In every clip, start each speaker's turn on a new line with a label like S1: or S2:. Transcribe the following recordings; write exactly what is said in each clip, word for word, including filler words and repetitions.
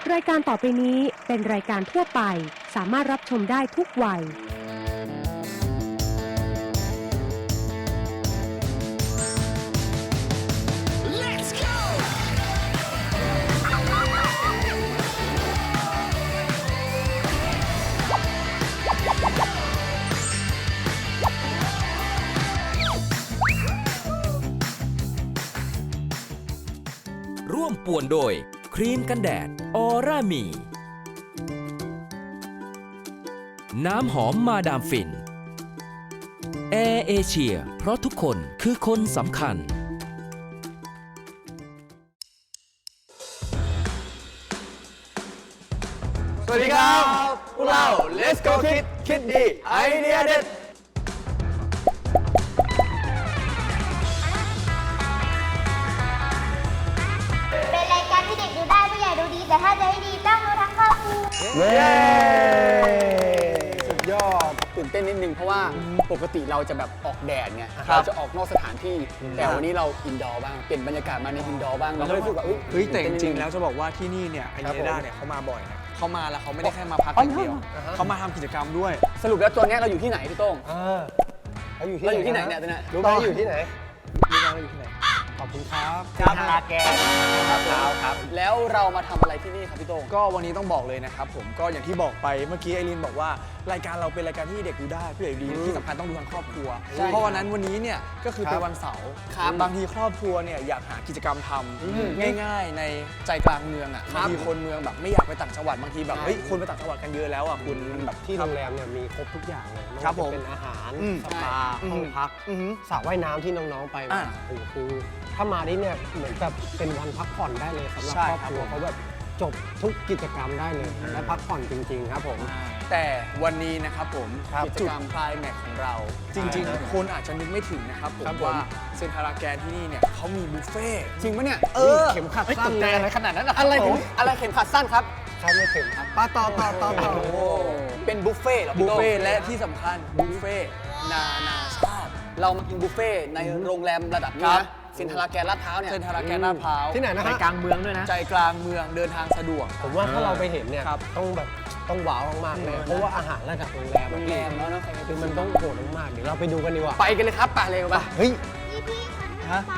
S1: รายการต่อไปนี้เป็นรายการทั่วไปสามารถรับชมได้ทุกวัย
S2: ร่วมป่วนโดยครีมกันแดดออร่ามี น้ำหอมมาดามฟินแอร์เอเชียเพราะทุกคนคือคนสำคัญ
S3: สวัสดีครับพวกเรา Let's Go Kid คิดดีไอเดียเด็ด
S4: เป็นรายการที่เด็กดูได้ผู้ใหญ่ดูดีแต่ถ้าจะให้ดีต้องดูทั้งครอบครัว
S3: เย้สุดยอดตื่นเต้นนิดนึงเพราะว่าปกติเราจะแบบออกแดดไงเราจะออกนอกสถานที่แต่วันนี้เราอินดอร์บ้างเปลี่ยนบรรยากาศมาในอินดอร์บ้างเราก็เลยรู้สึกว่า
S5: เฮ้ยแต่จ
S3: ตื่นเต้นนิดนึ
S5: ริงๆแล้วจะบอกว่าที่นี่เนี่ยไอ
S3: ครับ
S5: เน
S3: ผม
S5: ด้าเนี่ยเขามาบ่อยนะเขามาแล้วเขาไม่ได้แค่มาพักอย่างเดียวเขามาทำกิจกรรมด้วย
S3: สรุปแล้วตัวเนี้ยเราอยู่ที่ไหนพี่โต้ง
S6: เออเราอยู่ที่
S3: เราอยู่ที่ไหนเนี่ยตัวเนี้ย
S6: รู้ไหมอยู่ที่ไหน
S5: รู้ไหมเราอยู่ที่ไหน
S6: ขอบคุณครับ
S3: ครับ
S6: ลาแกนครับครับ
S3: แล้วเรามาทำอะไรที่นี่ครับพี่โต้ง
S5: ก็วันนี้ต้องบอกเลยนะครับผมก็อย่างที่บอกไปเมื่อกี้ไอรินบอกว่ารายการเราเป็นรายการที่เด็กดูได้ผู้ใหญ่ดูดีที่สำคัญต้องดูทั้งครอบครัว
S3: ใช่
S5: เพราะวันนั้นวันนี้เนี่ยก็คือ
S6: ครับ
S5: เป็นวันเสาร์
S3: ครับ
S5: บางทีครอบครัวเนี่ยอยากหากิจกรรมท
S3: อืม
S5: ำง่ายๆ ในใจกลางเมืองอ่ะ
S3: ครับ
S5: บางทีคนเมืองแบบไม่อยากไปต่างจังหวัดบางทีแบบ
S3: ใช่
S5: เฮ้ยคนไปต่างจังหวัดกันเยอะแล้วอ่ะคุณมันแบบ
S6: ที่โรงแรมเนี่ยมีครบทุกอย่างเลยไว่า
S5: ครับผม
S6: จะเป็นอาหาร
S5: อืม
S6: สปา
S5: อืม
S6: ห้องพัก
S5: อือหือ
S6: สระว่ายน้ำที่น้องๆไปมา
S5: อ่า
S6: โอ้โหคือถ้ามาที่เนี่ยเหมือนแบบเป็นวันพักผ่อนได้เลยสำหรับ
S5: ใช่
S6: ครอบ
S5: ครับ
S6: ครัว
S5: ผม
S6: เขาแบบจบทุกกิจกรรมได้เลยและพักผ่อนจริง ๆ ครับผม
S5: แต่วันนี้นะครับผม
S6: ครับ
S5: กิจกรรมคลายแม็กของเรา จริงๆ คนอาจจะนึกไม่ถึงนะครับผม
S6: ครับผม
S5: ว่าเซ็นทรัลแกนที่นี่เนี่ยเขามีบุฟเฟ่ต์
S3: จริงปะเนี่ย
S5: เออ
S6: เข็มขัด
S5: ฮ้ย
S6: สั้น
S5: ตกใจ
S6: เลย
S5: อะไรขนาดนั้นอะ
S3: อะไร
S5: คบ
S3: เข็
S5: ผม ม
S3: อะไรเข็มขัดสั้นครับ
S6: ใช่ไม่ถึงครับป้าต่อต่อต่อต่อ
S3: โอ้โหเป็นบุฟเฟ่ต์เหรอ
S5: บุ
S3: พี่
S5: ฟ
S3: โต้ง
S5: เฟ่ต์และที่สำคัญบุฟเฟ่ต์นานาชาติ
S3: เรามากินบุฟเฟ่ต์ในโรงแรมระดับนี้
S5: ครั
S3: นะ
S5: บ
S3: เซ็นทรัลแกนลาดพร้าวเนี่ย
S5: เซ็นทรัลแกนลาดพร้าว
S6: ที่ไหนนะฮะ
S5: ใจกลางเมืองด้วยนะใจกลางเมืองเดินทางสะดวก
S6: ผมว่าถ้าเราไปเห็นเนี่ย
S5: ครับ
S6: ต้องแบบต้องว้าวมากๆเลย
S5: อืม
S6: เพราะว่าอาหารระดับโรงแรม
S3: โรงแรมแล้วเนอะ
S6: คือมันต้องโหดมากๆเดี๋ยวเราไปดูกันดีกว่า
S3: ไปกันเลยครับไปเลยไป
S6: เฮ้ย
S4: พี่พี่ๆ
S5: ฮะ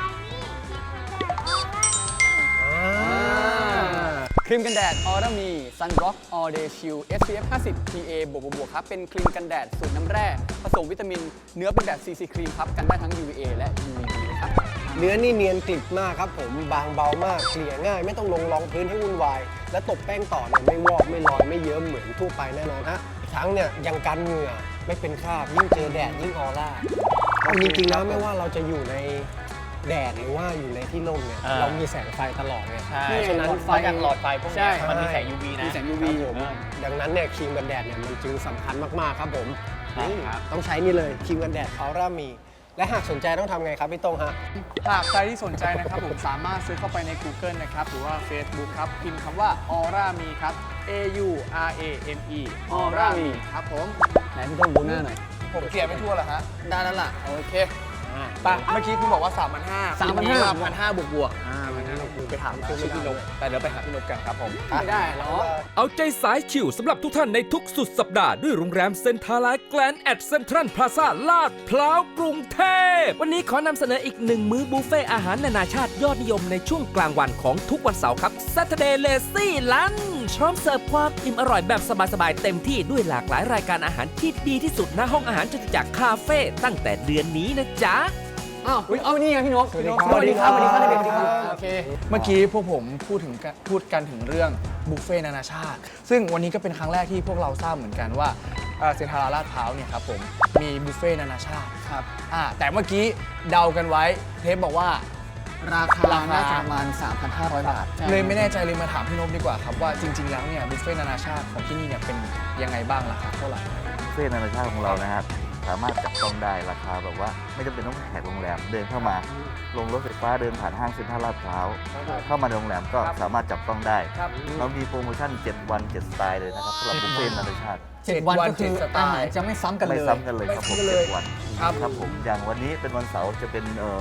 S4: ครีมกันแดดออร่า
S3: ครีมกันแดดออร่ามี Sunblock All Day Shield เอส พี เอฟ ห้าสิบ พี เอ บวกบวกครับเป็นครีมกันแดดสูตรน้ำแร่ผสมวิตามินเนื้อเป็นแบบ ซี ซี ครีมครับกันได้ทั้ง ยู วี เอ และ ยู วี บี เลยครับ
S6: เนื้อนี่เนียนกริบมากครับผมบางเบามากเกลี่ยง่าย ไม่ต้องลงรองพื้นให้วุ่นวาย และตบแป้งต่อเนี่ยไม่วอกไม่ลอยไม่เยิ้มเหมือนทั่วไปแน่นอนฮะอีกทั้งเนี่ยยังกันเหงื่อไม่เป็นคราบยิ่งเจอแดดยิ่งออร่าเอาจริงๆแล้วไม่ว่าเราจะอยู่ในแดดหรือว่าอยู่ในที่ร่มเนี่ย
S5: อ่า
S6: เรามีแสงไฟตลอดไง
S5: ใช่
S6: เพราะฉะนั้น
S3: ไฟจากหลอดไฟพวกเนี้ย
S6: ใช่
S3: มันมีแสง ยู วี นะ มีแสง ยู วี
S6: ครับผมดังนั้นเนี่ยครีมกันแดดเนี่ยมันจึงสำคัญมากๆครับผม
S5: ครับ
S6: นี่ต้องใช้นี่เลยครีมกันแดดออร่ามี และหากสนใจต้องทำไงครับพี่โต้งฮะ
S5: หากใครที่สนใจนะครับผมสามารถซื้อเข้าไปใน Google นะครับหรือว่า Facebook ครับพิมพ์คำว่า Aura Me ครับ A U R A M E Aura Me ครับผม
S3: ไหนพี่ต้องดูหน้าหน่อย
S5: ผมเขียนไม่ทั่วเหรอฮะ
S3: ได้แล้วล่ะ โอเค
S5: ปะเมื่อกี้คุณบอกว่า สามพันห้า
S3: สามพันห้า
S5: พันห้าบวกบวกอ่าพันห้าบวกบวกไปถามชื่อพี่นกแต่เดี๋ยวไปหาพี่นกกันครับผม
S3: ไม่ได้หรอ
S2: เอาใจสายชิวสำหรับทุกท่านในทุกสุดสัปดาห์ด้วยโรงแรมเซ็นทรัลแกลนแอดเซ็นทรัลพลาซ่าลาดพร้าวกรุงเทพวันนี้ขอนำเสนออีกหนึ่งมื้อบุฟเฟ่อาหารนานาชาติยอดนิยมในช่วงกลางวันของทุกวันเสาร์ครับ Saturday Lazy Lunch พร้อมเสิร์ฟความอิ่มอร่อยแบบสบายๆเต็มที่ด้วยหลากหลายรายการอาหารที่ดีที่สุดณห้องอาหารจตุจักรคาเฟ่ตั้งแต่เดือนนี้นะจ๊ะ
S3: อ้าวอุ๊ยเอานี่ไงพี่นก
S6: สวัสดี
S3: สวัสดีครับ สวัสดีครับ
S6: ส
S3: ส
S6: วั
S3: วั
S6: ส
S3: ส
S6: ดี
S3: ดี
S6: ค
S3: ค
S6: รั
S3: รับ บ โอเค
S5: เมื่อกี้พวกผมพูดถึงกันพูดกันถึงเรื่องบุฟเฟ่ต์นานาชาติ ซึ่งวันนี้ก็เป็นครั้งแรกที่พวกเราทราบเหมือนกันว่าเอ่อเซ็นทรัลลาดพร้าวเนี่ยครับผมมีบุฟเฟ่ต์นานาชาติ
S3: ครับ
S5: อ่าแต่เมื่อกี้เดากันไว้เทปบอกว่า
S3: ราคา
S5: ราคา
S3: น่าจะประมาณ สามพันห้าร้อย บาท
S5: เลยไม่แน่ใจเลยมาถามพี่นพดีกว่าครับว่าจริง ๆ แล้วเนี่ยบุฟเฟ่ต์นานาชาติของที่นี่เนี่ยเป็นยังไงบ้างราคาเท่าไหร่
S7: บุฟเฟ่ต์นานาชาติของเรานะครับสามารถจับต้องได้ราคาแบบว่าไม่จำเป็นต้องแขกโรงแรมเดินเข้ามาลงรถไฟฟ้าเดินผ่านห้างเซ็นทรัลลาดพร้าวเข้ามาในโรงแรมก็สามารถจับต้องได้
S3: ครับ
S7: เรามีโปรโมชั่น เจ็ด วัน เจ็ด สไตล์เลยนะครับสำหรับบุฟเฟ่ต์นานาชาติ
S3: เจ็ดวันก็คือ
S5: เจ็ดสไตล์
S3: อาหารจะไม่ซ้ำกันเลย
S7: ไม่ซ้ำกันเลยครับผม
S5: ไม่ซ้ำกันเลย
S7: เจ็ดวัน
S5: ครับ
S7: ครับผมอย่างวันนี้เป็นวันเสาร์จะเป็นเอ่อ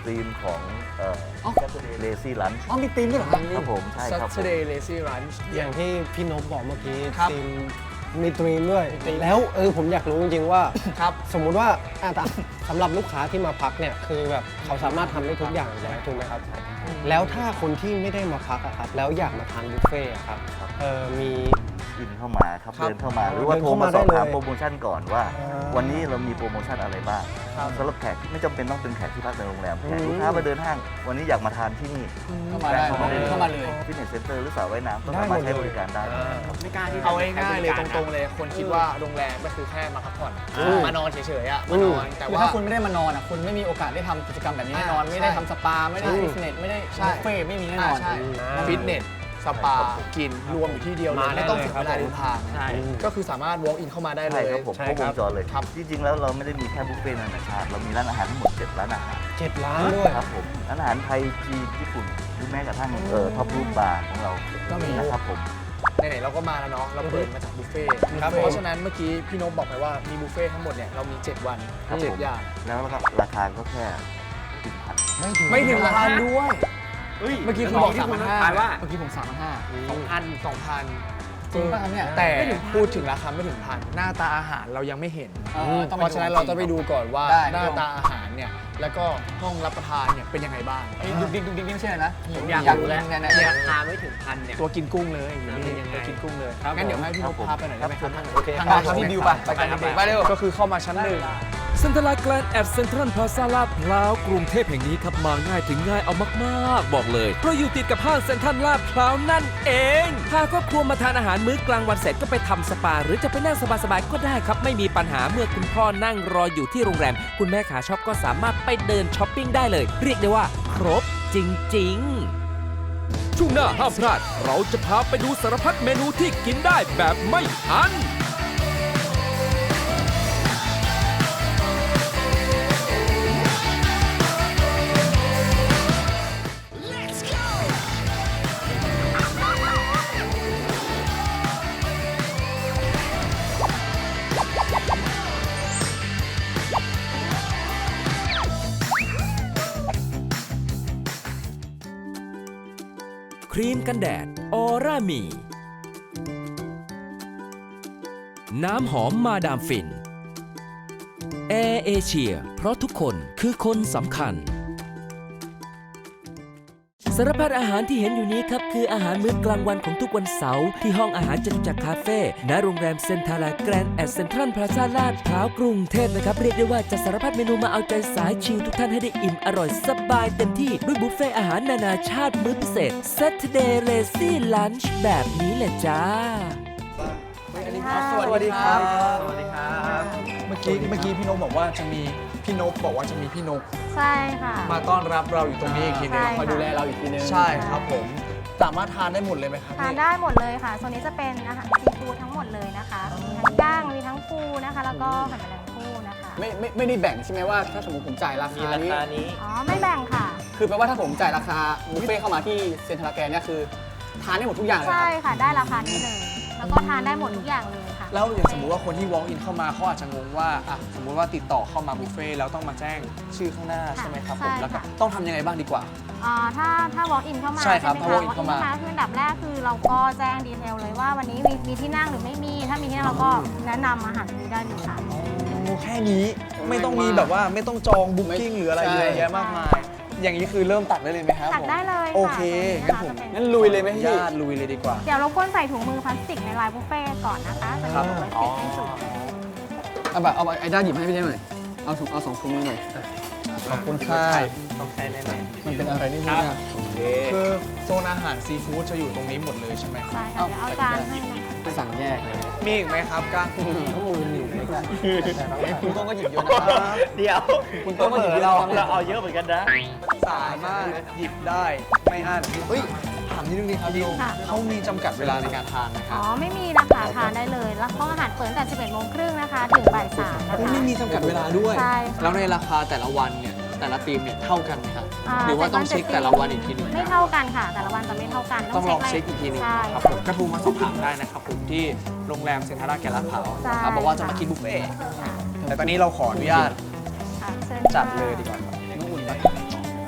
S7: ธีมของเอ่อ Saturday Lazy Lunch
S3: อ๋อมีธีมด้วยเหรอครับ
S7: ครับผมใช่ครับผม
S5: Saturday Lazy Lunch
S6: อย่างที่พี่นพบอกเมื่อกี้
S5: ครับ
S6: ทีมมีตรีมด้วย แล้วเออผมอยากรู้จริงๆว่า
S5: ครับ
S6: สมมุติว่าอ่ะแต่สำหรับลูกค้าที่มาพักเนี่ยคือแบบเขาสามารถทำได้ทุกอย่างแล้วถูกไหมครับ แล้วถ้าคนที่ไม่ได้มาพักอะครับแล้วอยากมาทานบุฟเฟ่ต์อะครับเออมี
S7: อินเข้ามาครับ
S5: ครับ
S7: เดินเข้ามาหรือว่า
S6: เดิน
S7: โทร
S6: เข้า
S7: มา
S6: มา
S7: สอบ
S6: ได้
S7: ถาม
S6: เลย
S7: โปรโมชั่นก่อนว่า
S6: อ่า
S7: วันนี้เรามีโปรโมชั่นอะไรบ้าง
S5: ครับ
S7: สำหรับแขกไม่จำเป็นต้องเป็นแขกที่พักในโรงแรมแขก
S6: อืม
S7: ลูกค้ามาเดินห้าง วันนี้อยากมาทานที่นี่
S3: เข้ามาได้
S7: เข้ามาได้
S3: เข้ามาเลย
S7: ฟิตเนสเซ็นเตอร์หรือสระว่ายน้ำก็
S6: ได้
S7: สามารถ
S6: หมดเลย
S7: ใช้บริการได้
S3: ไม่กล้าที่จะ
S5: เอาง่ายๆเลย
S3: ใช้บ
S5: ต
S3: ก
S5: รงๆเลย คนคิดว่าโรงแรมก็คือแค่มาพักผ่อน
S6: อืม
S5: มานอนเฉยๆอ่ะ
S6: อื
S5: มาม นอนแต่
S3: คือ
S5: ว่า
S3: ถ้าคุณไม่ได้มานอนอ่ะคุณไม่มีโอกาสได้ทำกิจกรรมแบบนี้แน่นอน
S5: อ่า
S3: ไม่ได้
S5: ใช่
S3: ทำสปาไม่ได้
S6: ใช่
S3: ฟิตเนสไม่ได้
S5: ใช่
S3: บุฟเฟ่ต์ไม่มีแน่นอน
S5: ใช่
S6: อ่า
S5: ฟิตเนส สปา กิน รวมอยู่ที่เดียวเลย
S6: มาได้
S5: ไม่ต้อง
S6: เลย
S5: เสีย
S6: ครับ
S5: เวลาเดินทาง
S3: ใช่
S5: ก็คือสามารถ walk in เข้ามาได้เล
S7: ใช่
S5: ย
S7: ครับผม
S6: ใช่
S7: ครบ
S6: คว รับ
S7: งจรเลย
S5: ครับ
S7: จริงๆแล้วเราไม่ได้มีแค่บุฟเฟ่ต์นานาชาติ เรามีร้านอาหารทั้งหมดเจ็ดร้านอาหาร
S6: เจ็ดล้านด้วย
S7: ครับผมร้านอาหารไทยจีนญี่ปุ่นหรือแม้กระทั่งเอ่อท็อปรูปบาร์ของเรา
S5: ก็มี
S7: นะครับผม
S5: ไหนๆเราก็มาแล้วเนาะ เราเปิดมาจากบุฟเฟ่ต์
S6: ครับ
S5: เพราะฉะนั้นเมื่อกี้พี่นพบอกไปว่ามีบุฟเฟ่ต์ทั้งหมดเนี่ยเรามี เจ็ด วัน
S7: ครับ
S5: เจ็ด
S7: ผม
S5: อย่าง
S7: แล้วก็ราคาก็แค่สิบพัน
S6: ไม่ถึง
S5: ไม่ถึงพันด้วย เมื่อกี้คุณบอก
S3: ที่
S5: สาม
S3: คุ
S5: พั
S3: ณ
S5: นห้า
S3: ทายว่า
S5: เมื่อกี้ผมสามพันห้าสองพันสองพัน
S3: จริงป่ะครับเนี่ย
S5: แต่พูดถึงราคาไม่ถึงพัน หน้าตาอาหารเรายังไม่เห็น
S3: เออต้อง
S5: เพ
S3: ไป
S5: ราะฉะนั้นเราจะไปดูก่อนว่า
S3: ได้
S5: หน้าตาอาหารเนี่ย แล้วก็ห้องรับประทานเนี่ยเป็นยังไงบ้าง
S3: ไอ้ดุกดิกดุกดิกนี่ไม่ใช่นะ
S5: ผมอยากรู้แล้ว
S3: เนี่ยเนี่ยราคาไม่ถึงพันเนี่ย
S5: ตัวกินกุ้งเลยอยู่นี่
S3: เป็นยังไง
S5: ตัวกินกุ้งเลย
S3: ครับ
S5: งั้นเดี๋ยวให้พี่นพ
S7: ครับผม
S5: พาไปหน่อยได้ไหมครับ
S6: โอเค
S5: ทาง
S3: ไป
S5: ด้าน
S3: ครับพี่ดิวไปไปกันไปเร็ว
S5: ก็คือเข้ามาชั้นหนึ่ง
S2: เซ็นทรัลแกรนด์แอดเซ็นทรัลพลาซ่าลาดพร้าวกรุงเทพแห่งนี้ครับมาง่ายถึงง่ายเอามากๆ บอกเลยเพราะอยู่ติดกับห้างเซ็นทรัลลาดพร้าวนั่นเองพาครอบครัวมาทานอาหารมื้อกลางวันเสร็จก็ไปทำสปา หรือจะไปนั่งสบายๆก็ได้ครับ ไม่มีปัญหาเมื่อคุณพ่อนั่งรออยู่ที่โรงแรม คุณแม่ขาช็อปก็สามารถไปเดินช้อปปิ้งได้เลย เรียกได้ว่าครบจริงๆ ช่วงหน้าห้ามพลาดเราจะพาไปดูสารพัดเมนูที่กินได้แบบไม่อั้น ครีมกันแดดออร่ามี น้ำหอมมาดามฟิน แอร์เอเชียเพราะทุกคนคือคนสำคัญ สารพัดอาหารที่เห็นอยู่นี้ครับ คืออาหารมื้อกลางวันของทุกวันเสาร์ที่ห้องอาหารจตุจักรคาเฟ่ณโรงแรมเซ็นทรัลแกรนด์แอดเซ็นทรัลพลาซ่าลาดพร้าวกรุงเทพนะครับ เรียกได้ว่าจะสารพัดเมนูมาเอาใจสายชิลทุกท่านให้ได้อิ่มอร่อยสบายเต็มที่ด้วยบุฟเฟ่อาหารนานาชาติมื้อพิเศษ Saturday Lazy Lunch แบบนี้แหละจ้า
S5: สวัสดีครับ สวัสดีครับ
S3: สวัสดีครับ
S5: เมื่อกี้เมื่อกี้พี่นพบอกว่าจะมีพี่นพบอกว่าจะมีพี่นก
S8: ใช่ค่ะ
S5: มาต้อนรับเราอยู่ตรงนี้อีกทีหนึง
S8: ใช่
S3: คอยดูแลเราอีกทีนึง
S5: ใช่ครับผมสามารถทานได้หมดเลยไหมครับ
S8: ทาน
S5: พี่
S8: ได้หมดเลยค่ะโซนนี้จะเป็นอาหารซีฟู้ดทั้งหมดเลยนะคะมีทั้งย่างมีทั้งปูนะคะ แล้วก็หอยแมลงภู่นะคะ
S3: ไม่ไม่ไม่ได้แบ่งใช่ไหมว่าถ้าสมมติผมจ่ายราคานี้
S8: อ๋อไม่แบ่งค่ะ
S3: คือแปลว่าถ้าผมจ่ายราคาบุฟเฟ่ต์เข้ามาที่เซ็นทรัลแกรนด์เนี่ยคือทานได้หมดทุกอย่างเลย
S8: ใช่
S3: ครับ
S8: ค่ะได้ราคานี้เลย แล้วก็ทานได้หมดทุกอย่างเลยค่ะ
S5: แล้วอย่างสมมุติว่าคนที่ walk in เข้ามาเขาอาจจะงงว่าอ่ะสมมุติว่าติดต่อเข้ามาบุฟเฟ่ต์แล้วต้องมาแจ้งชื่อข้างหน้าใช่ไหมครับผม
S8: ใช่ค่ะ
S5: แล้วก็ต้องทำยังไงบ้างดีกว่า
S8: อ่าถ้าถ้า walk in เข้ามา
S5: ใช่ครับ
S8: ไหม
S5: ถ้า
S8: คะ
S5: walk in เข้ามา
S8: walk in คืออันดับแรกคือเราก็แจ้งดีเทลเลยว่าวันนี้มีมีที่นั่งหรือไม่มี ถ้ามีที่นั่งเราก็แนะนำอาหารนี้ได้เลยค่ะ
S5: โอ้แค่นี้ไม่ต้องมีแบบว่าไม่ต้องจองบุ๊กิ้งหรืออะไรเยอะแยะมากมาย อย่างนี้คือเริ่มตักได้เลยไหมครับ
S8: ตักได้เลยค่ะ
S5: โอเคงั้นผม
S8: ตัวนี้นะคะจะเป็น
S3: งั้นลุยเลยไหมพี่
S5: ญาติลุยเลยดีกว่า
S8: เดี๋ยวเราควรใส่ถุงมือพลาสติกในลายบุฟเฟ่ต์ก่อนนะคะจะ
S5: ครับ
S8: มีถุงพลาสติกให้สุด
S3: เอาแบบเอาไอ้ด้าหยิบให้พี่ได้หน่อยเอาถุงเอาสองถุงมือหน่อย
S5: ขอบคุณค่ะ
S3: มันเป็นอะไรนี่นี่นะ
S5: คือโซนอาหารซีฟู้ดจะอยู่ตรงนี้หมดเลยใช่ไหมครับ
S8: ใช่ค่ะเดี๋ยวเอาจานให้นะคะ
S3: ไปสั่งแยกเลย
S5: มีอีกไหมครับก้าง
S3: ข้อมูลอยู่ไม่ใช่คุณโต้งก็หยิบเยอะนะครับ
S7: เดี๋ยว
S3: คุณโต้งก็หยิบเยอะนะครับ
S7: เราเอาเยอะเหมือนกันนะ
S5: สามารถหยิบได้ไม่อั้นเฮ้ยถามนิดนึงดีครับดิว
S8: ค่ะ
S5: เขามีจำกัดเวลาในการทานไหมค
S8: อ๋
S5: รั
S8: อบ ไม่มีนะคะทานได้เลย แล้วห้องอาหารเปิดตั้งแต่สิบเอ็ดโมงครึ่งนะคะ ถึงบ่ายสามนะคะ
S5: โอ้ไม่มีจำกัดเวลาด้วย
S8: ใช่ค่ะ
S5: แล้วในราคาแต่ละวันเนี่ยแต่ละทีมเนี่ยเท่ากันไหมครับ
S8: อ่า
S5: หรือว่าต้องเช็คแต่ละวันอีกทีหนึง
S8: ไม่เท่ากันค่ะ แต่ละวันจะไม่เท่ากัน
S5: ต้องลองเช็คอีกทีหนึง
S8: ใช่
S5: ครับผมกระทูมาสอบถามได้นะครับผมที่โรงแรมเซ็นทรัลแกรนด์ลาดพร้าว
S8: ใช่
S5: นะครับบอกว่าจะมากินบุฟเฟ่ต์
S8: ค่ะ
S5: แต่ตอนนี้เราขออนุญาต
S8: ค่ะเชิญ
S5: จัด
S8: ค่ะ
S5: เลยดีกว่าครับ
S3: น้องอุ่นไป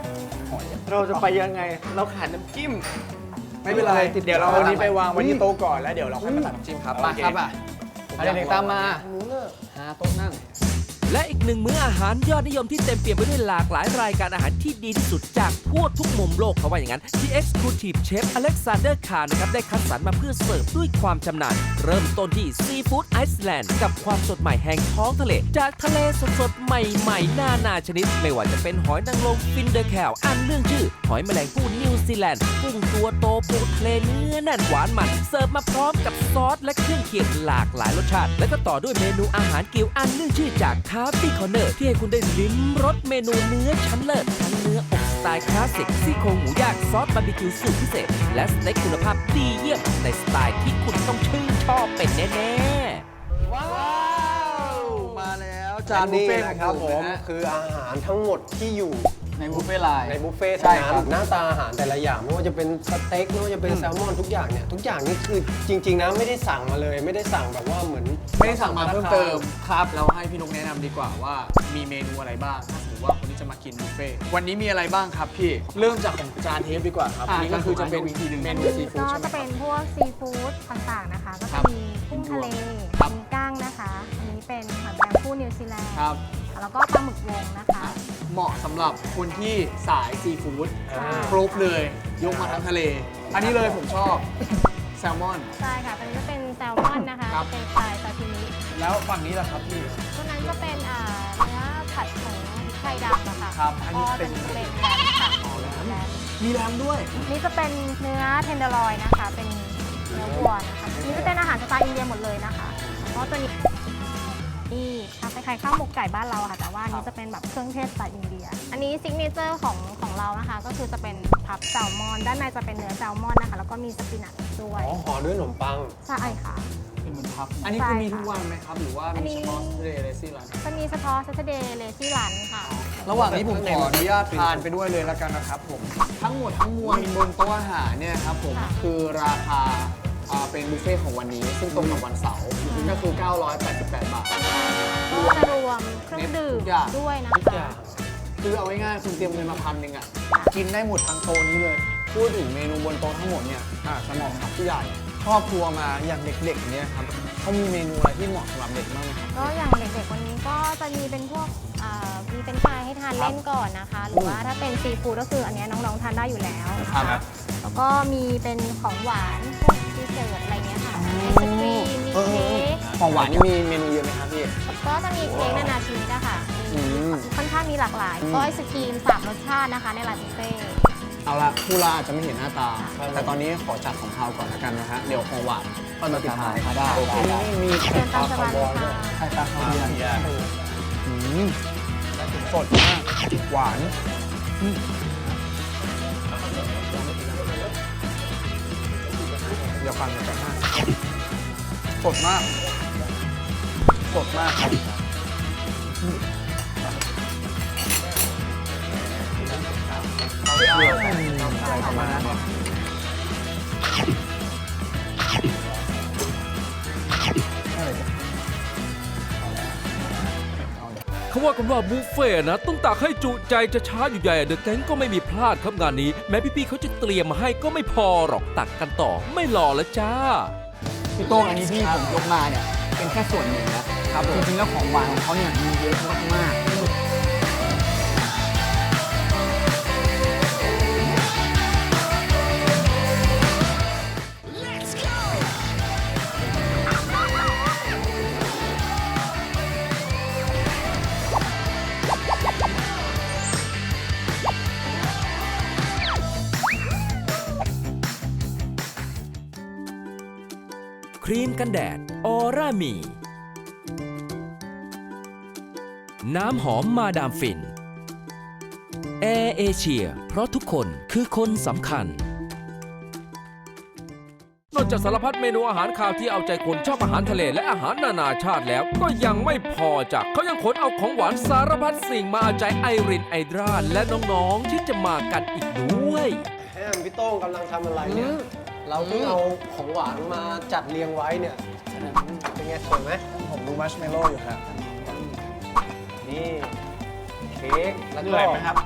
S5: เราจะไปยังไง เราขาดน้ำจิ้ม ไม่เป็นไร
S6: ติด
S5: เดี๋ยวเรา
S6: ติด
S5: เอานี้ไปวางไว้ที่โต๊ะก่อนแล้วเดี๋ยวเราค่อยมาตัดน้ำจิ้มครับ
S3: มาครับอ่ะเอาเด็กๆตามมาหาโต๊ะนั่ง
S2: และอีกหนึ่งมื้ออาหารยอดนิยมที่เต็มเปี่ยมไปด้วยหลากหลายรายการอาหารที่ดีที่สุดจากทั่วทุกมุมโลกเขาว่าอย่างนั้น ที่ Exclusive Chef Alexander Khan นะครับได้คัดสรรมาเพื่อเสิร์ฟด้วยความชำนาญเริ่มต้นที่ซีฟู้ดไอซ์แลนด์กับความสดใหม่แห่งท้องทะเล จากทะเลสดๆ ใหม่ๆนานาชนิด ไม่ว่าจะเป็นหอยนางรมฟินเดอร์แคลอันเรื่องชื่อ หอยแมลงภู่นิวซีแลนด์กุ้งตัวโตปูทะเลเนื้อแน่นหวานมันเสิร์ฟมาพร้อมกับซอสและเครื่องเคียงหลากหลายรสชาติ และก็ต่อด้วยเมนูอาหารกิวอันเรื่องชื่อจากคาร์บี้คอร์เนอร์ที่ให้คุณได้ลิ้มรสเมนูเนื้อชั้นเลิศทั้งเนื้ออกสไตล์คลาสสิกซี่โครงหมูย่างซอสบาร์บีคิวสูตรพิเศษ และสเต็กคุณภาพดีเยี่ยมในสไตล์ที่คุณต้องชื่นชอบเป็นแน่ๆ
S5: ว้าว มาแล้วจา
S6: จาน น
S5: บุฟ
S6: นี้
S5: เฟ่ต์
S6: นะครับ
S5: ข
S6: ผ
S5: อง
S6: ม
S5: นะฮะ
S6: คืออาหารทั้งหมดที่อยู่
S3: ในบุฟเฟ่ต์ไลน์
S6: ในบุฟเฟ่ต์
S5: ใช่
S6: เท่า
S5: ครับ
S6: นั้นหน้าตาอาหารแต่ละอย่างไม่ว่าจะเป็นสเต็กไม่ว่าจะเป็นแซลมอนทุกอย่างเนี่ยทุกอย่างนี่คือจริง ๆนะไม่ได้สั่งมาเลย ไม่ได้สั่งแบบว่าเหมือน
S5: ไม่ได้สั่งมาเพิ่มเติมครับเราให้พี่นุกแนะนำดีกว่าว่ามีเมนูอะไรบ้างถ้าสมมติว่าคนที่จะมากินบุฟเฟ่ต์วันนี้มีอะไรบ้างครับพี่เริ่มจากของจานเทปดีกว่าครับอันนี้ก็คือจะเป็นเมนูซีฟู้ด
S8: ก็
S5: ใช่ไหม
S8: จะ
S5: ค
S8: เป็
S5: รับ
S8: นพวกซีฟู้ดต่างๆนะคะ ก็
S5: ครั
S8: จะ
S5: บ
S8: มีกุ้งทะเล
S5: ครับ
S8: มีก้างนะคะ อันนี้เป็นหอยแมลงภู่นิวซีแลนด์
S5: ครับ
S8: แล้วก็ปลาหมึกวงนะคะ
S5: เหมาะสำหรับคนที่สายซีฟู้ด
S8: ใช่
S5: ครบเลยยกมาทั้งทะเล อันนี้เลยผมชอบแซลมอน
S8: ใช่ค่ะตัวนี้จะเป็นแซลมอนนะคะ
S5: ครับ
S8: เป็นสไตล์ซาชิมิ
S5: แล้วฝั่งนี้ล่ะครับพี่
S8: ตัวนั้นจะเป็นอ่าเนื้อผัดผงไข่ดำอะค่ะ
S5: ครับอันนี้
S8: ก็
S5: เป็
S8: เป็น นเป็นแรมค่ะแรม
S5: มีแรมด้วย
S8: นี่จะเป็นเนื้อเทนเดอร์ลอยนะคะ เป็นเนื้อวัวนะคะนี่จะเป็นอาหารสไตล์อินเดียหมดเลยนะคะเพราะตัวนี้นี่ทำคล้ายๆข้าวหมกไก่บ้านเราอะค่ะ แต่ว่าอันนี้จะเป็นแบบเครื่องเทศสไตล์อินเดีย อันนี้ซิกเนเจอร์ของของเรานะคะ ก็คือจะเป็นพับแซลมอน ด้านในจะเป็นเนื้อแซลมอนนะคะ แล้วก็มีสปินัชด้วย
S6: อ๋อห่อด้วยขนมปัง
S8: ใช่ค่ะ
S5: เป็นเหมือนพับ อันนี้คือมีทุกวันไหมครับ หรือว่า
S8: อัน
S5: มี
S8: นี้
S5: เฉพาะเดย์เลซี่รัน
S8: จะมีเฉพาะ Saturday Lazy Lunch ค่ะ
S5: ระหว่างนี้ผมขออนุญาตทานไปด้วยเลยแล้วกันนะครับผม ทั้งหมดทั้งมวลบนโต๊ะอาหารเนี่ยครับผม
S8: ค่ะ
S5: คือราคาอ่าเป็นบุฟเฟ่ต์ของวันนี้ ซึ่งตรงกับวันเสาร์ก็คือ เก้าร้อยแปดสิบแปด บาท
S8: ก็จะรวมเครื่องดื่ม
S5: ทุกอย่าง
S8: ด้วยนะ
S6: ทุกอ
S8: คะ
S6: ย่าง
S5: คือเอาง่ายๆคุณเตรียมเงินมาพันหนึ่งอ่ะ กินได้หมดทั้งโต๊ะนี้เลย พูดถึงเมนูบนโต๊ะทั้งหมดเนี่ยอ่ะจะเหมาะกับผู้ใหญ่ครอบครัวมาอย่างเด็กๆเนี่ยครับเขามีเมนูอะไรที่เหมาะสำหรับเด็กบ้างไหมครับ
S8: ก็อย่างเด็กๆวันนี้ก็จะมีเป็นพวกเอ่อมีเป็นชายให้ทานเล่นก่อนนะคะ หรือว่าถ้าเป็นซีฟู้ดก็คืออันเนี้ยน้องๆทานได้อยู่แล้วนะ
S5: ครั
S8: คะ
S5: บ
S8: แล้วก็มีเป็นของหวานพวกดีเซอร์ตอะไรเงี้ยค่ะไอศครีมมีเค้ก
S5: ของหวานนี่มีเมนูเยอะไหมครับพี่
S8: ก็จะมีเค้กนานาชนิดอะค่ะ
S5: อืม
S8: ค่อนข้างมีหลากหลายก็ไอศครีมสามรสชาตินะคะในร้านบุฟเฟ่ต์
S5: เอาละผู้ล่าอาจจะไม่เห็นหน้าตา แต่ตอนนี้ขอจัดของคาวก่อนแล้วกันนะฮะ เดี๋ยวของหวานค่อยมาปิดท้ายได้โอเคนี่มี
S8: เชิญตามสบายเลยค่ะ
S5: ไข่ปลาคาเวียร์อืมสดมาก หวานอืมเดี๋ยวฟังกันนะสดมาก สดมากครับอืมอะไรประมาณนั้น
S2: เขาว่ากันว่าบุฟเฟ่ต์นะต้องตักให้จุใจจะช้าอยู่ใหญ่เดอะแก๊งก็ไม่มีพลาดครับงานนี้ แม้พี่ๆเขาจะเตรียมมาให้ก็ไม่พอหรอกตักกันต่อไม่รอแล้วจ้า
S3: พี่โต้งอันนี้ที่ผมยกมาเนี่ยเป็นแค่ส่วนหนึ่งนะครับจริงๆแล้วของหวานของเขาเนี่ยมีเยอะมากๆ
S2: ครีมกันแดดออร่ามี น้ำหอมมาดามฟินแอร์เอเชียเพราะทุกคนคือคนสำคัญ นอกจากสารพัดเมนูอาหารคาวที่เอาใจคนชอบอาหารทะเลและอาหารนานาชาติแล้วก็ยังไม่พอจ้ะเขายังขนเอาของหวานสารพัดสิ่งมาเอาใจไอรินไอดราและน้องๆที่จะมากันอีกด้วย
S6: แฮมพี่โต้งกำลังทำอะไรเนี่ย เราเพิ่งเอาของหวานมาจัดเรียงไว้เนี่ย เป็นไงสวยไหม
S5: ผมดูมัชเมลโล่อยู่ครับ
S6: นี่เค้กแล้วก็
S5: เหนื่อยไหมครับ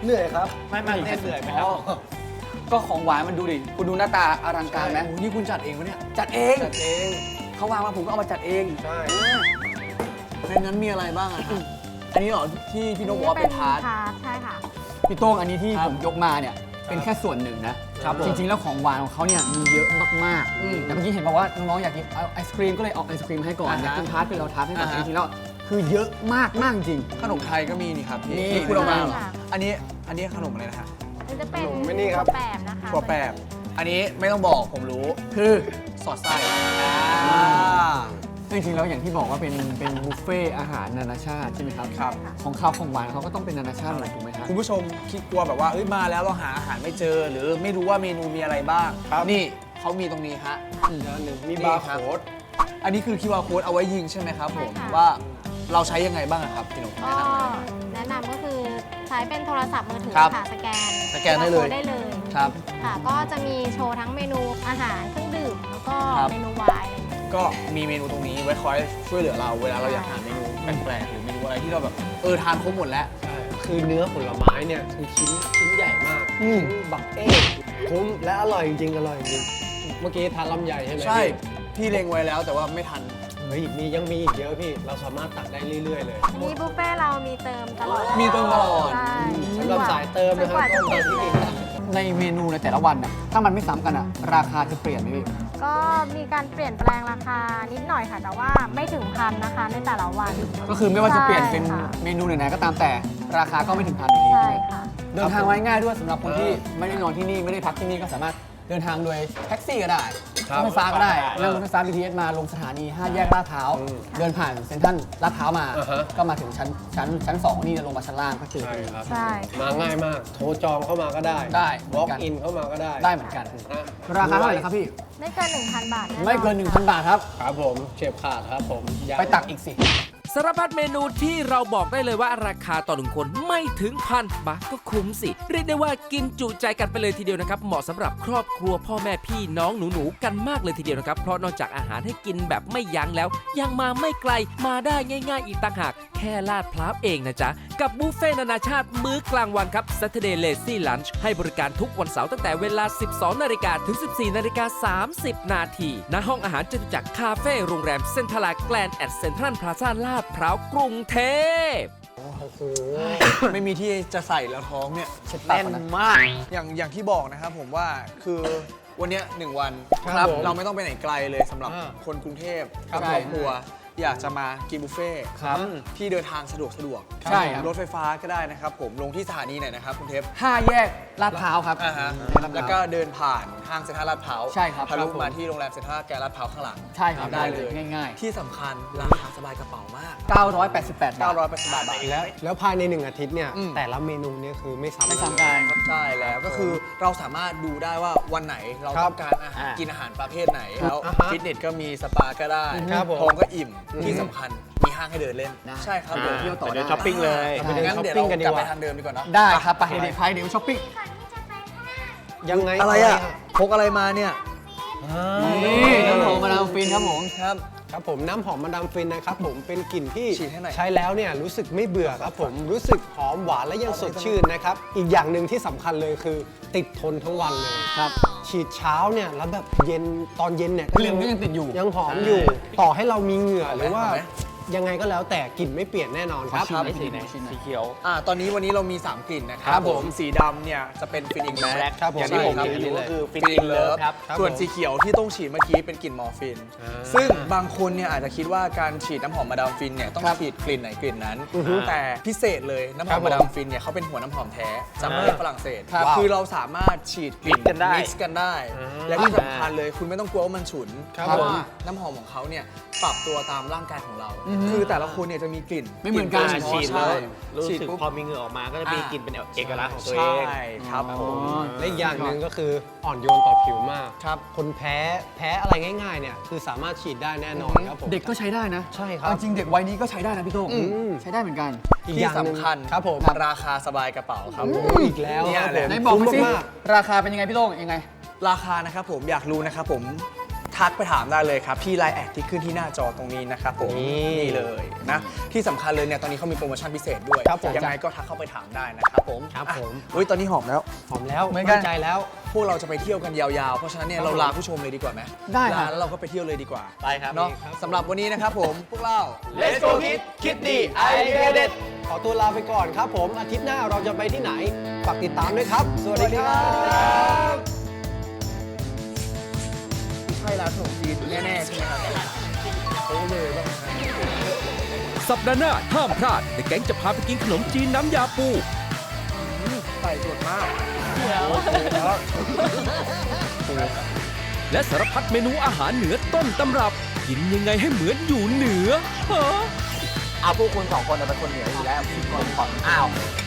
S6: เหนื่อยครับ
S5: ไม่ไม่เต้นเหนื่อยไหมครับ
S3: ก็ของหวานมันดูดิ คุณดูหน้าตาอลังการไหม
S5: โอ้โหนี่คุณจัดเองปะเนี่ย
S3: จัดเอง
S6: จัดเอง
S3: เขาวางมาผมก็เอามาจัดเอง
S6: ใช่
S5: ในนั้นมีอะไรบ้างอะครับอันนี้เหรอที่พี่นกบอกว่าเป็นทาร์ต
S8: ทาร์ตใช่ค่ะ
S3: พี่โต้งอันนี้ที่
S5: ครับ
S3: ผมยกมาเนี่ยเป็นแค่ส่วนหนึ่งนะครับ
S5: ผม
S3: จริงๆแล้วของหวานของเขาเนี่ยมีเยอะมาก
S5: อืม
S3: ๆแต่เมื่อกี้เห็นบอกว่าน้องๆอยากกินเอาไอศครีมก็เลยเอาไอศครีมให้ก่อน
S5: อ่าฮะ
S3: อยากกินทาร์ตเป็นเราทาร์ตให้ก่อน
S5: อ่าฮะ
S3: จริงๆแล้วคือเยอะมากมากจริง
S5: ขนมไทยก็มีนี่ครับพี่
S3: นี่คุณเอามาเหรอ
S8: ค่ะ
S5: อันนี้อันนี้ขนมอะไรนะฮะ
S8: มันจะเป็น
S6: ขนมไม่นี่ครับ
S8: ถั่วแปบนะคะ
S5: ถั่วแปบอันนี้ไม่ต้องบอกผมรู้
S3: คือ
S5: สอดไส้อ่า
S3: จริงๆแล้วอย่างที่บอกว่าเป็นเป็นบุฟเฟ่อาหารนานาชาติใช่ไหมครับ
S5: ครับ
S3: ของข้าวของหวานเขาก็ต้องเป็นนานาชาติหมดถูกไหมครับ
S5: คุณผู้ชมคิดกลัวแบบว่าเอ้ยมาแล้วเราหาอาหารไม่เจอ หรือไม่รู้ว่าเมนูมีอะไรบ้าง
S6: ครับ
S5: นี่เขามีตรงนี้ฮะ
S6: อีกอันหนึ่งมี
S5: นี่
S6: บาร์
S5: ครับ
S6: โค้ด
S5: อันนี้คือ คิว อาร์ code เอาไว้ยิงใช่ไหมครับผม
S8: ใช่ค่ะ
S5: ว่าเราใช้ยังไงบ้างอะครับพี่หนุ่ม
S8: ก็แนะนำก็คือใช้เป็นโทรศัพท์มือถือ
S5: ครับ
S8: ค่ะสแกน
S5: สแกนได้เลย
S8: ได้เลย
S5: ครับ
S8: ค่ะก็จะมีโชว์ทั้งเมนูอาหารเครื่องดื่มแล้วก็
S5: ครับ
S8: เมนูไวน์อะไรอย่างเงี้ย
S5: ก็มีเมนูตรงนี้ไว้คอยช่วยเหลือเราเวลาเราอยากหาเมนูแปลกๆหรือเมนูอะไรที่เราแบบเออทานครบหมดแล้ว
S6: ใช่คือเนื้อผลไม้เนี่ยคือชิ้นชิ้นใหญ่มาก
S5: อืม
S6: ชิ้นบักเอ้คุ้มและอร่อยจริงๆอร่อยจริงเมื่อกี้ทานลำไยใช่ไหม
S5: ใช่
S6: พี่
S5: พี่เล็งไว้แล้วแต่ว่าไม่ทัน
S6: เฮ้ยมียังมีอีกเยอะพี่ เราสามารถตักได้เรื่อยๆเลย
S8: อันนี้บุฟเฟ่ต์เรามีเติมตลอด
S5: มีเติมตลอด
S8: ใช่
S6: สำหรับสายเติมนะครับ
S8: จกว่า
S6: ต้
S8: จะ
S6: อง
S8: เสร็
S6: เติ
S8: จ
S6: มที่
S8: เล
S6: นี่
S8: ย
S3: ในเมนูในแต่ละวันน่ะถ้ามันไม่ซ้ำกันอ่ะราคาจะเปลี่ยนไหมพี่
S8: ก็มีการเปลี่ยนแปลงราคานิดหน่อยค่ะ แต่ว่าไม่ถึงพันนะคะในแต่ละวัน
S3: ก็คือไม่ว่าจะเปลี่ยนเป็น
S8: ใช่ค่ะ
S3: เมนูไหนๆก็ตามแต่ราคาก็ไม่ถึงพันอยู่ดี
S8: ใช่ค่ะ
S3: เดินทางไว้ง่ายด้วยสำหรับคนที่ไม่ได้นอนที่นี่ไม่ได้พักที่นี่ก็สามารถเดินทางโดยแท็กซี่ก็ได้
S6: ครับ
S3: รถไฟฟ้าก็ได้
S6: ครับ
S3: นั่งรถไฟฟ้า บี ที เอส มาลงสถานีห้าแยกลาดพร้าว
S6: อืม
S3: เดินผ่านเซ็นทรัลลาดพร้าวมา
S6: อ่าฮะ
S3: ก็มาถึงชั้นชั้นชั้นสองนี่จะลงมาชั้นล่างก็คือ
S6: ใช่ครับ
S8: ใช่
S6: มาง่ายมาก โทรจองเข้ามาก็ได้
S3: ได้
S6: walk in เข้ามาก็ได้
S3: ได้เหมือนกัน
S6: นะ
S3: ราคาเท่าไหร่นะครับพี่
S8: ไม่เกิน หนึ่งพัน บาทแน่นอน
S3: ไม่เกิน หนึ่งพัน บาทครับ
S6: ครับผมเฉียบขาดครับผมย้ำ
S3: ไปตักอีกสิ
S2: สารพัดเมนูที่เราบอกได้เลยว่าราคาต่อหนึ่งคนไม่ถึงพันบาทก็คุ้มสิ เรียกได้ว่ากินจุใจกันไปเลยทีเดียวนะครับ เหมาะสำหรับครอบครัวพ่อแม่พี่น้องหนูๆกันมากเลยทีเดียวนะครับ เพราะนอกจากอาหารให้กินแบบไม่ยั้งแล้ว ยังมาไม่ไกลมาได้ง่ายๆอีกต่างหาก แค่ลาดพร้าวเองนะจ๊ะ กับบุฟเฟ่ต์นานาชาติมื้อกลางวันครับ Saturday Lazy Lunch ให้บริการทุกวันเสาร์ตั้งแต่เวลา สิบสองนาฬิกา ถึง สิบสี่นาฬิกาสามสิบ นาทีณห้องอาหารจตุจักรคาเฟ่โรงแรมเซ็นทรัลแกลนด์แอดเซ็นทรัลพลาซ่าลาดพร้าวกรุงเทพ
S5: ไม่มีที่จะใส่แล้วท้องเนี่ย
S3: แน่นมาก
S5: อย่างอย่างที่บอกนะครับผมว่าคือวันเนี้ยหนึ่งวัน
S6: ครับผม
S5: เราไม่ต้องไปไหนไกลเลยสำหรับ
S6: อ่า
S5: คนกรุงเทพ
S3: ครับ
S5: ครอบครัวอยากจะมากินบุฟเฟ่ต์
S3: ครับ
S5: ที่เดินทางสะดวกสะดวก
S3: ใช่ครับ
S5: รถไฟฟ้าก็ได้นะครับผมลงที่สถานีไหนนะครับคุณเทพ
S3: ห้าแยกลาดพร้าวครับ
S5: อ่าฮะ
S3: ในลาดพร้าว
S5: แล้วก็เดินผ่านห้างเซ็นทรัลลาดพร้าว
S3: ใช่ครับ
S5: ทะลุ
S3: ครับผม
S5: มาที่โรงแรมเซ็นทรัลแกรนด์ลาดพร้าวข้างหลัง
S3: ใช่ครับ
S5: ได้เลย
S3: ง่าย
S5: ที่สำคัญราคาสบายกระเป๋ามาก
S3: ๆ เก้าร้อยแปดสิบแปด บาท
S5: เก้าร้อยแปดสิบบาท
S6: แล้วแล้วภายในหนึ่งอาทิตย์เนี่ย
S5: อืม
S6: แต่ละเมนูเนี่ยคือไม่ซ้ำ
S3: ไม่ซ้ำกัน
S5: ใช่แล้วก็คือเราสามารถดูได้ว่าวันไหนเรา
S6: ครับ
S5: ต้องการอาหาร
S3: อ่ากิ
S5: กินอาหารประเภทไหนแล้ว
S6: อ่าฮะ
S5: ฟิตเนสก็มีสปาก็ได้
S6: ครับผม
S5: ท้องก็อิ่ม
S6: อืม
S5: ที่สำคัญมีห้างให้เดินเล่น
S3: ได้
S5: ใช่ครับ
S3: ไป
S5: ผม
S3: เที่ยวต่อได้
S6: ช้อปปิ้งเลย
S5: ใช่งั้นเดี๋ยว
S6: ช้อปปิ้งกันดี
S5: เรา
S6: ก
S5: กลับ
S6: ว่า
S5: ไปทางเดิมดีกว่าเนาะ
S3: ได้ครับไปเดี๋ยวไปเดี๋ยวช้อปปิ้ง
S6: ยังไง
S5: อะไรอ่ะพกอะไรมาเนี่ย
S3: นี่น้ำหอมมาดามฟินครับผม
S5: ครับ
S6: ครับผมน้ำหอมมาดามฟินนะครับผมเป็นกลิ่นที่
S5: ฉีดให้หน่อย
S6: ใช้แล้วเนี่ยรู้สึกไม่เบื่อครับผมรู้สึกหอมหวานและยังสดชื่นนะครับอีกอย่างหนึ่งที่สำคัญเลยคือติดทนทั้งวันเลย
S3: ครับ
S6: ฉีดเช้าเนี่ยแล้วแบบเย็นตอนเย็นเนี่ย
S3: กลิ่นก็ยังติดอยู่
S6: ยังหอมอยู่ ต่อให้เรามีเหงื่อหรือว่า
S5: หอมไหม
S6: ยังไงก็แล้วแต่กลิ่นไม่เปลี่ยนแน่นอนครับ
S3: ครับสีไหนสีเขียว
S5: อ่าตอนนี้วันนี้เรามีสามกลิ่นนะครั
S6: ครับผม
S5: สีดำเนี่ยจะเป็นฟินอิงแบล็ก
S6: ครับผม
S5: อย่างที่ผม
S6: ใช่ครับ
S5: ถืออยู่ก็คือ
S6: ฟิ
S5: ฟิน
S6: น
S5: อิงเลิฟ
S6: ครับครับ
S5: ส่วน
S6: ผม
S5: สีเขียวที่ต้องฉีดเมื่อกี้เป็นกลิ่นมอร์ฟิน
S6: อ่า
S5: ซึ่งบางคนเนี่ยอาจจะคิดว่าการฉีดน้ำหอมมาดามฟินเนี่ยต้อง
S3: ครับ
S5: ฉีดกลิ่นไหนกลิ่นนั้น
S6: อือฮึ
S5: แต่พิเศษเลยน้ำห
S6: ครั
S5: อม
S6: บผม
S5: มาดามฟินเนี่ยเขาเป็นหัวน้ำหอมแท้จากประเทศฝรั่งเศส
S6: ครับ
S5: คือเราสามารถฉีดกลิ่น
S6: Mix กันได้
S5: มิกซ์กันได้
S6: อ่า
S5: และที่สำคัญเลยคุณไม่ต้องกลัวว่ามันฉุน
S6: ครับ
S5: เพราะ
S6: ผม
S5: ว่าน้ำหอมของเขาเนี่ยปรับตัวตามร่างกายของเรา คือแต่ละคนเนี่ยจะมีกลิ่น
S3: ไม่เหมือนกัน
S5: ลิ่
S9: ฉีด
S5: ใช่
S9: แล้วรู้
S5: ฉีด
S9: สึก
S5: ปุ๊บ
S9: พอมีเหงื่อออกมาก็จะมีกลิ่นเป็นเอกลักษณ์ของตัวเอง
S5: ใช่ครับผม
S6: และอีกอย่างหนึ่งก็คืออ่อนโยนต่อผิวมาก
S5: ครับ
S6: คนแพ้แพ้อะไรง่ายๆเนี่ยคือสามารถฉีดได้แน่นอนครับผม
S3: เด็กก็ใช้ได้นะ
S6: ใช่ครับ
S3: เอาจริงเด็กวัยนี้ก็ใช้ได้นะพี่โต้ง
S6: อืม
S3: ใช้ได้เหมือนกัน
S6: อีกอ
S5: ที่
S6: ย่างหนึ่ง
S5: สำคัญ
S6: ครับผม
S5: ราคาสบายกระเป๋าครับผม
S6: อีกแล้ว
S5: เนี่ย
S6: ครับ
S5: แหละ
S6: ผม
S3: ไหนบอกมาสิ
S6: คุ้มมาก
S3: ราคาเป็นยังไงพี่โต้งยังไง
S5: ราคานะครับผมอยากรู้นะครับผมทักไปถามได้เลยครับที่ไลน์แอดที่ขึ้นที่หน้าจอตรงนี้นะครับผม
S6: นี่
S5: นี่เลยนะที่สำคัญเลยเนี่ยตอนนี้เขามีโปรโมชั่นพิเศษด้วย
S6: ครับผม
S5: ยังไงก็ทักเข้าไปถามได้นะครับผม
S6: ครับผม
S5: อ่ะอุ้ยตอนนี้หอมแล้ว
S6: หอมแล้ว
S5: เหมือนกัน
S6: มั่นใจแล้ว
S5: พวกเราจะไปเที่ยวกันยาวๆ เพราะฉะนั้นเนี่ยเราลาผู้ชมเลยดีกว่าไหม
S6: ได้ครับ
S5: ลาแล้วเราก็ไปเที่ยวเลยดีกว่า
S9: ไปครับ
S5: เนาะ
S6: ดีครับ
S5: สำหรับวันนี้นะครับผมพวกเรา
S9: Let's go Kid คิดดีไอเดียเด็ด
S6: ขอตัวลาไปก่อนครับผมอาทิตย์หน้าเราจะไปที่ไหนฝากติดตามด้วยครับ สวัสดีครับ
S5: ใช่ร้านขนมจีนแน่ๆใช่ไหมครับโอ้เลยบ้าง
S2: สัปดาห์หน้าห้ามพลาด The แก๊งจะพาไปกินขนมจีนน้ำยาปู
S5: ใส่สดมาก
S2: และสารพัดเมนูอาหารเหนือต้นตำรับ กินยังไงให้เหมือนอยู่เหนือฮะ
S9: เอาพวกคุณสองคนเป็นคนเหนืออยู่แล้วพี่คนฝั่งอ้าว